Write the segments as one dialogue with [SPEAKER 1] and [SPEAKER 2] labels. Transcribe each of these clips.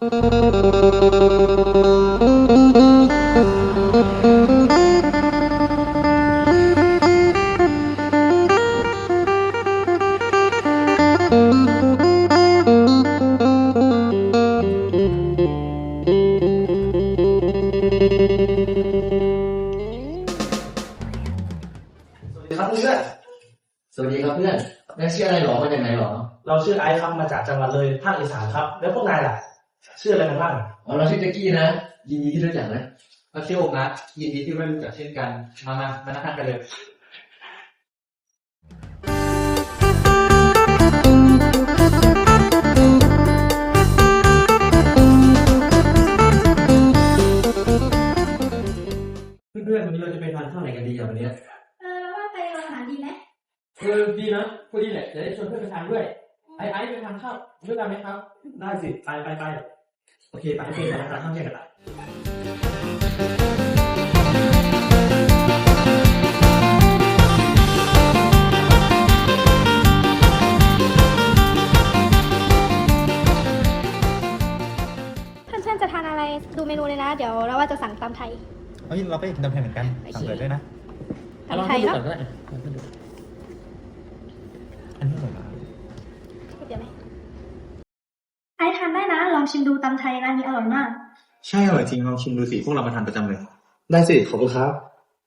[SPEAKER 1] ครับเพื่อนสวัสดีครับเพื่อนนายชื่ออะไรหรอมาจากไหนหรอ
[SPEAKER 2] เราชื่อไอซ์ครับมาจากจังหวัดเลยภาคอีสานครับแล้วพวกนายล่ะชื่ออะไรกันบ้าง
[SPEAKER 1] อ๋อเราชื่อแจ็คกี้นะยินดีที่รู้จักนะ
[SPEAKER 3] เราชื่อโอ๊คนะยินดีที่ได้รู้จักเช่นกันมานั่งทานกันเลย
[SPEAKER 1] เพื่อนๆวันนี้เราจะไปทานข้าวไหนกันดีอ่ะวันนี้
[SPEAKER 4] เราว่าไปอาหารดีไหม
[SPEAKER 3] ดีนะพอดีแหละจะได้ชวนเพื่อนไปทานด้วยไอ้ไปทานข้าวด้วยกันไหมครับ
[SPEAKER 2] ได้สิไปโอเคไปไปทานข้าวแยกกันละ
[SPEAKER 4] เพื่อนๆจะทานอะไรดูเมนูเลยนะเดี๋ยวเราว่าจะสั่งตำไทย
[SPEAKER 5] เฮ้ยเราก็อยากกินตำไทยเหมือนกันสั่งเลยด้วยนะ
[SPEAKER 4] ตำไทยเนาะ
[SPEAKER 5] อันนี้อร่อยมาก
[SPEAKER 4] เดี๋ยวไหมไอทานได้นะลองชิมดูตำไทยร้านนี้อร่อยมาก
[SPEAKER 5] ใช่อร่อยจริงลองชิมดูสิพวกเรามาทานประจำเลย
[SPEAKER 2] ได้สิขอบคุณครับ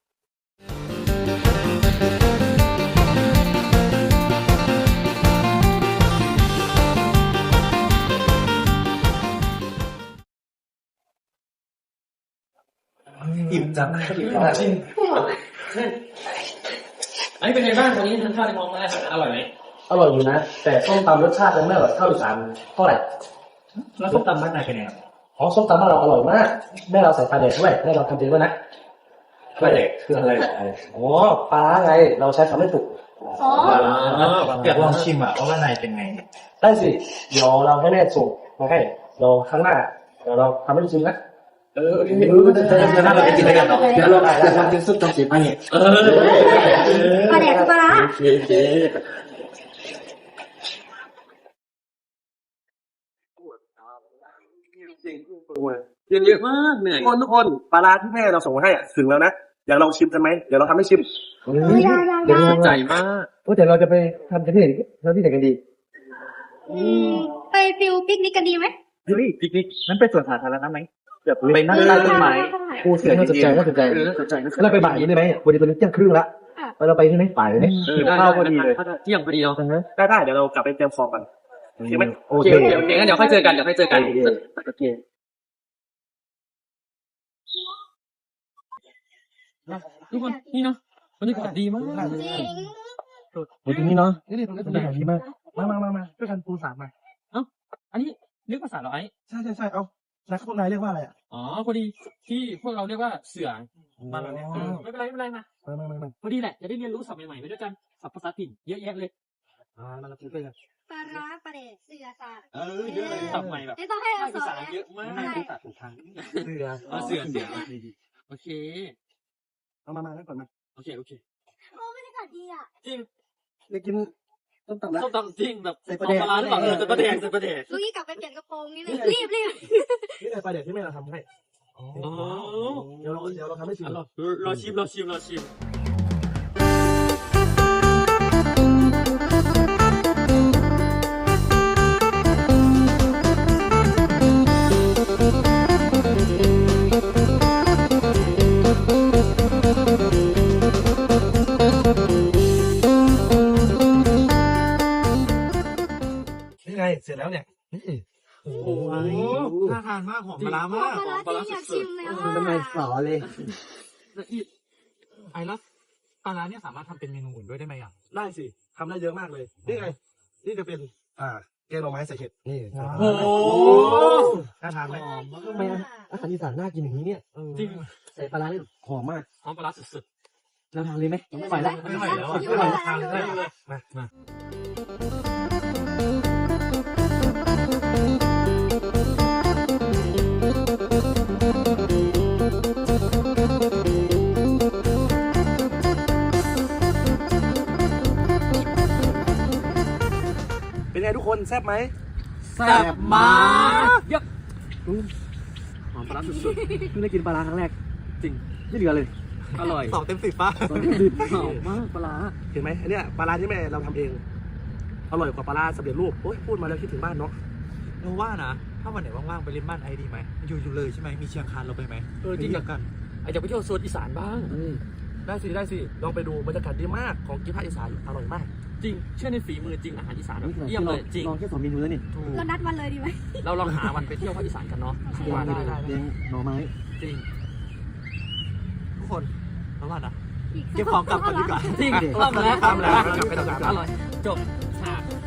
[SPEAKER 2] อิ่มจังจริง
[SPEAKER 3] ไอ้เป็นไงบ้างวันนี้ทานข้าวในมองมาอร่อยไหม
[SPEAKER 2] อร่อยอยู่นะแต่ส้มตำรสชาติยังไม่อร่อยเท่าอีสานเท่าไหร่
[SPEAKER 5] แล้วส้มตำบ้านนายเป็นไงครับ
[SPEAKER 2] อ๋อส้มตำบ้านเราอร่อยมากแม่เราใส่ปลาเด็กด้วยแม่เราทำเองด้วยนะปลาเด็กคืออะไรอ๋อปลาไงเราใช้คำไม่ถูก
[SPEAKER 4] อ๋อ
[SPEAKER 5] อยากลองชิมอ่ะว่าบ้านนายเป็นไง
[SPEAKER 2] ได้สิเดี๋ยวเราให้แม่ส่งมาให้เราข้างหน้าเดี๋ยวเราทำให้ดูชิมนะ
[SPEAKER 5] เราไปกินด้วยกันเนาะเดี๋ยวเราจะทำเป็นซุปตำสีปลาเนี่ย
[SPEAKER 4] ปลาแดกกับปลาร้า
[SPEAKER 2] เยอะมากเหนื่อยทุกคนปลาร้าที่แม่เราส่งมาให้ถึงแล้วนะอยากลองชิมกันไหมเดี๋ยวเราทำให้ชิม
[SPEAKER 4] เดี๋ยว
[SPEAKER 3] ใจมาก
[SPEAKER 2] แต่เราจะไปทำกันที่ไหนกันดี
[SPEAKER 4] ไปฟิลปิกนิกกันดีไหม
[SPEAKER 5] ปิกนิกนั้นไปสวนสาธารณะไหมแบบไปนั่งใต้ต้นไม้
[SPEAKER 2] ผู้เสียน่าสนใจแล้วเราไปบ่ายนี้ได้ไหมวันนี้ตอนนี้เที่ยงครึ่งละเราไปที่ไหนบ่ายเลย
[SPEAKER 3] ข้าวพอดีเลยเที่ยงพอดีเรา
[SPEAKER 2] ได้เดี๋ยวเรากลับไปเตรียมของกันโอเคไหม
[SPEAKER 3] โอเคงั้นเดี๋ยวค่อยเจอกันโอเคทุกคนนี่เนาะบรรยากาศดีมาก
[SPEAKER 4] จริง
[SPEAKER 2] ตรงนี้เนาะนี่ตรงนี้บรรยากาศดีมากมาช่วยกันปูสามมา
[SPEAKER 3] อันนี้เรียกภาษาเหรอไอ้
[SPEAKER 2] ใช่เอาแล้วพวกนายเรียกว่าอะไรอ่ะ
[SPEAKER 3] อ๋อพอดีที่พวกเราเรียกว่าเสือมาแล้วเนี่ยไม่เป็นไรมาพอดีแหละจะได้เรียนรู้ศัพท์ใหม่ๆไปด้วยกันศัพท์ภาษาถิ่นเยอะแยะเลย
[SPEAKER 2] มาพูดด้วยกัน
[SPEAKER 4] ปลาร้าปลาเด็กเสือสา
[SPEAKER 3] เยอะเลยศัพท์ใหม่แบบ
[SPEAKER 4] ไม่ต้องให้เราสอน
[SPEAKER 3] เยอะมาก
[SPEAKER 2] ภาษาถูกทางเสือ
[SPEAKER 3] โอเค
[SPEAKER 2] มาแล้วก่อนมา
[SPEAKER 3] โอเค
[SPEAKER 4] บรรยากาศดีอ่ะ
[SPEAKER 3] จริง
[SPEAKER 2] อยากกินส้ม
[SPEAKER 3] ตำจริงแบบใส่ปลาหรือเปล่าใส่ปลาแดง
[SPEAKER 4] ลูกนี่กลับไปเปลี่ยนกระโปรงนี่รีบ
[SPEAKER 2] นี่ใส่ปลาแดงที่แม่เราทำให้เดี๋ยวเราทำให้ชิม
[SPEAKER 3] รอชิม
[SPEAKER 2] เสร็จแล้วเนี่ย
[SPEAKER 3] โอ้โหน่าทานมากหอมปลามาก
[SPEAKER 4] ปลาอยากชิมเลย
[SPEAKER 2] ทำไมสอเลย
[SPEAKER 3] ไอ้แล้วปลาเนี่ยสามารถทำเป็นเมนูอื่นด้วยได้ไหมอ่ะ
[SPEAKER 2] ได้สิทำได้เยอะมากเลยนี่ไงนี่จะเป็นแกงหน่อไม้ใส่เห็ดนี่
[SPEAKER 3] โอ้
[SPEAKER 2] น่าทานไหมทำไมอาหารอีสานน่ากินอย่างนี้เนี่ย
[SPEAKER 3] จริง
[SPEAKER 2] ใส่ปลาเนี่ยหอมมาก
[SPEAKER 3] หอมปลาสุด
[SPEAKER 2] ๆเราทานเลยไหมไม่ไหวแล้วทานเลยมาเป็นไงทุกคนแซ่บไหม
[SPEAKER 3] แซ่บมากหอมปลาร้าสุด
[SPEAKER 2] เพิ่งได้กินปลาร้าครั้งแรก
[SPEAKER 3] ๆจริง
[SPEAKER 2] ไม่เหลือเลย
[SPEAKER 3] อร่อย
[SPEAKER 5] 2 เต็ม 10ป่ะ
[SPEAKER 3] หอมมากปลาร้า
[SPEAKER 2] เห็นไหมอันเนี้ยปลาร้าที่แม่เราทำเองอร่อยกว่าปลาร้าสำเร็จรูปโอ้ยพูดมาแล้วคิดถึงบ้านเนาะ
[SPEAKER 5] เราว่านะ ถ้าวันไหนว่างๆไปเล่นบ้านไอ้ดีไหมอยู่เลยใช่ไหมมีเชียงคานเราไปไหม
[SPEAKER 3] จริง
[SPEAKER 5] เดียวกัน
[SPEAKER 3] อยากไปเที่ยวโซนอีสานบ้าง
[SPEAKER 2] ได้สิลองไปดูบรรยากาศดีมากของกินภาคอีสานอร่อยมาก
[SPEAKER 3] จริงเชื่อในฝีมือจริงอาหารอีสานแบบเยี่ยมเลยจริง
[SPEAKER 2] ลองแค่2 เมนูแล้วนี่
[SPEAKER 3] ถูก
[SPEAKER 4] เรานัดวันเลยดีไหม
[SPEAKER 3] เราลองหาวันไปเที่ยวภาคอีสานกันเนาะว่าได้
[SPEAKER 2] เลี้ยงหน่อไม้
[SPEAKER 3] จริง
[SPEAKER 5] ทุกคนเราว่านะ
[SPEAKER 4] อีก
[SPEAKER 5] เก็บของกลับก่อนดีกว่า
[SPEAKER 3] จริง
[SPEAKER 2] โอเค
[SPEAKER 3] ต้องแล้ว
[SPEAKER 2] ทำแล้วกลับไปทำงาน
[SPEAKER 3] อร่อยจบฉาก